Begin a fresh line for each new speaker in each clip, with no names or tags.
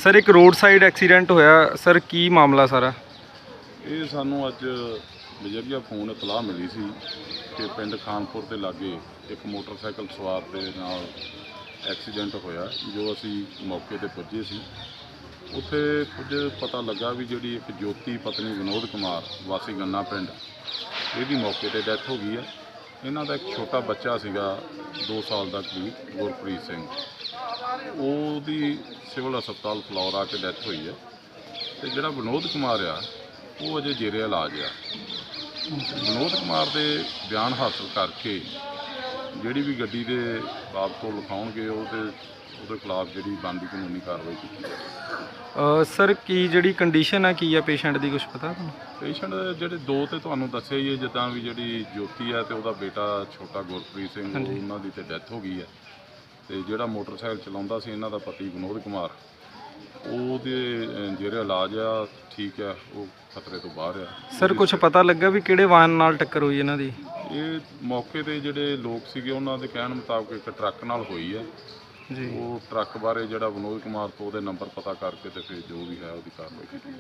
Sir ਇੱਕ road side accident ਹੋਇਆ sir, ਕੀ ਮਾਮਲਾ ਸਾਰਾ?
ਇਹ ਸਾਨੂੰ ਅੱਜ ਬਜਰੀਆ ਫੋਨ ਇਤਲਾਹ ਮਿਲੀ ਸੀ ਕਿ ਪਿੰਡ ਖਾਨਪੁਰ ਦੇ ਲਾਗੇ ਇੱਕ ਮੋਟਰਸਾਈਕਲ ਸਵਾਰ ਦੇ ਨਾਲ ਐਕਸੀਡੈਂਟ ਹੋਇਆ, ਜੋ ਅਸੀਂ ਮੌਕੇ ਤੇ ਪੁੱਜੇ ਸੀ। ਉੱਥੇ ਕੁਝ ਪਤਾ ਲੱਗਾ ਵੀ ਜਿਹੜੀ ਇੱਕ ਜੋਤੀ ਪਤਨੀ ਵਿਨੋਦ ਕੁਮਾਰ ਵਾਸੀ ਗੰਨਾ ਪਿੰਡ, ਇਹਦੀ ਮੌਕੇ ਤੇ ਡੈਥ ਹੋ ਗਈ ਹੈ। ਇਹਨਾਂ ਦਾ ਇੱਕ ਛੋਟਾ ਬੱਚਾ ਸੀਗਾ 2 ਸਾਲ ਦਾ ਕਰੀਬ, ਗੁਰਪ੍ਰੀਤ ਸਿੰਘ, ਉਹਦੀ ਸਿਵਲ ਹਸਪਤਾਲ ਫਲੋਰ ਆ ਕੇ ਡੈਥ ਹੋਈ ਹੈ। ਤੇ ਜਿਹੜਾ ਵਿਨੋਦ ਕੁਮਾਰ ਆ ਉਹ ਅਜੇ ਜੇਰੇ ਇਲਾਜ ਆ। ਵਿਨੋਦ ਕੁਮਾਰ ਦੇ ਬਿਆਨ ਹਾਸਲ ਕਰਕੇ ਜਿਹੜੀ ਵੀ ਗੱਡੀ ਦੇ ਬਾਬਤ ਤੋਂ ਲਿਖਾਉਣਗੇ ਉਹਦੇ ਖਿਲਾਫ ਜਿਹੜੀ ਬਣਦੀ ਕਾਨੂੰਨੀ ਕਾਰਵਾਈ ਕੀਤੀ ਜਾਵੇ।
ਸਰ ਕੀ ਜਿਹੜੀ ਕੰਡੀਸ਼ਨ ਆ ਕੀ ਆ ਪੇਸ਼ੈਂਟ ਦੀ, ਕੁਝ ਪਤਾ ਤੁਹਾਨੂੰ?
ਪੇਸ਼ੈਂਟ ਜਿਹੜੇ 2 ਤੇ ਤੁਹਾਨੂੰ ਦੱਸਿਆ ਹੀ ਹੈ, ਜਿੱਦਾਂ ਵੀ ਜਿਹੜੀ ਜੋਤੀ ਹੈ ਤੇ ਉਹਦਾ ਬੇਟਾ ਛੋਟਾ ਗੁਰਪ੍ਰੀਤ ਸਿੰਘ, ਉਹਨਾਂ ਦੀ ਤੇ ਡੈਥ ਹੋ ਗਈ ਹੈ। ਤੇ ਜਿਹੜਾ ਮੋਟਰਸਾਈਕਲ ਚਲਾਉਂਦਾ ਸੀ ਇਹਨਾਂ ਦਾ ਪਤੀ ਵਿਨੋਦ ਕੁਮਾਰ, ਉਹਦੇ ਜਿਹੜੇ ਇਲਾਜ ਆ ਠੀਕ ਆ, ਉਹ ਖਤਰੇ ਤੋਂ ਬਾਹਰ ਆ।
ਸਰ ਕੁਝ ਪਤਾ ਲੱਗਾ ਵੀ ਕਿਹੜੇ ਵਾਹਨ ਨਾਲ ਟੱਕਰ ਹੋਈ ਇਹਨਾਂ ਦੀ?
ਇਹ ਮੌਕੇ ਤੇ ਜਿਹੜੇ ਲੋਕ ਸੀਗੇ ਉਹਨਾਂ ਦੇ ਕਹਿਣ ਮੁਤਾਬਕ ਇੱਕ ਟਰੱਕ ਨਾਲ ਹੋਈ ਹੈ
ਜੀ।
ਉਹ ਟਰੱਕ ਬਾਰੇ ਜਿਹੜਾ ਵਿਨੋਦ ਕੁਮਾਰ ਤੋਂ ਉਹਦੇ ਨੰਬਰ ਪਤਾ ਕਰਕੇ ਤੇ ਫਿਰ ਜੋ ਵੀ ਹੈ ਉਹਦੀ ਕਾਰਵਾਈ ਕੀਤੀ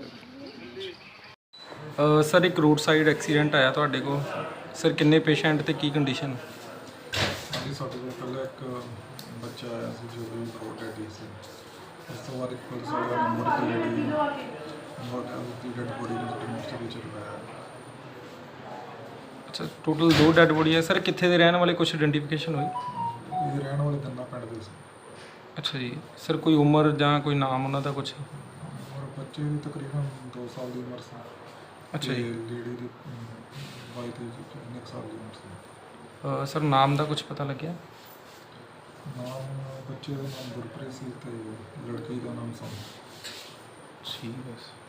ਜਾਵੇ।
ਸਰ ਇੱਕ ਰੋਡ ਸਾਈਡ ਐਕਸੀਡੈਂਟ ਆਇਆ ਤੁਹਾਡੇ ਕੋਲ, ਸਰ ਕਿੰਨੇ ਪੇਸ਼ੈਂਟ ਤੇ ਕੀ ਕੰਡੀਸ਼ਨ?
ਹਾਂਜੀ, ਸਾਡੇ ਕੋਲ ਪਹਿਲਾਂ ਇੱਕ ਬੱਚਾ ਆਇਆ ਸੀ ਜੋ ਵੀ ਬਹੁਤ ਡੈਡੀ ਸੀ। ਉਸ ਤੋਂ ਬਾਅਦ ਇੱਕ ਪੁਲਿਸ ਵਾਲੇ ਦਾ ਨੰਬਰ ਤੇ ਜਿਹੜੀ ਉਹਦੀ ਡੈਡ ਬੋਡੀ ਨੂੰ ਮੋਰਚਰੀ ਚ ਲਗਾਇਆ।
ਅੱਛਾ, ਟੋਟਲ 2 ਡੈਡ ਬੋਡੀ ਹੈ। ਸਰ ਕਿੱਥੇ ਦੇ ਰਹਿਣ ਵਾਲੇ, ਕੁਝ ਆਇਡੈਂਟੀਫਿਕੇਸ਼ਨ ਹੋਈ?
ਇਹ ਰਹਿਣ ਵਾਲੇ ਗੰਨਾ ਪਿੰਡ ਦੇ ਸੀ।
ਅੱਛਾ ਜੀ। ਸਰ ਕੋਈ ਉਮਰ ਜਾਂ ਕੋਈ ਨਾਮ ਉਹਨਾਂ ਦਾ ਕੁਝ?
ਔਰ ਬੱਚੇ ਦੀ ਤਕਰੀਬਨ 2 ਸਾਲ ਦੀ ਉਮਰ ਸੀ।
ਅੱਛਾ ਜੀ।
ਲੇਡੀ ਦੀ 22-23 ਸਾਲ ਦੀ ਉਮਰ ਸੀ।
ਸਰ ਨਾਮ ਦਾ ਕੁਝ ਪਤਾ ਲੱਗਿਆ?
ਨਾਮ ਬੱਚੇ ਦਾ ਨਾਮ ਗੁਰਪ੍ਰੀਤ ਸੀ ਤੇ ਲੜਕੀ ਦਾ ਨਾਮ ਸੋਨਮ।
ਠੀਕ ਹੈ।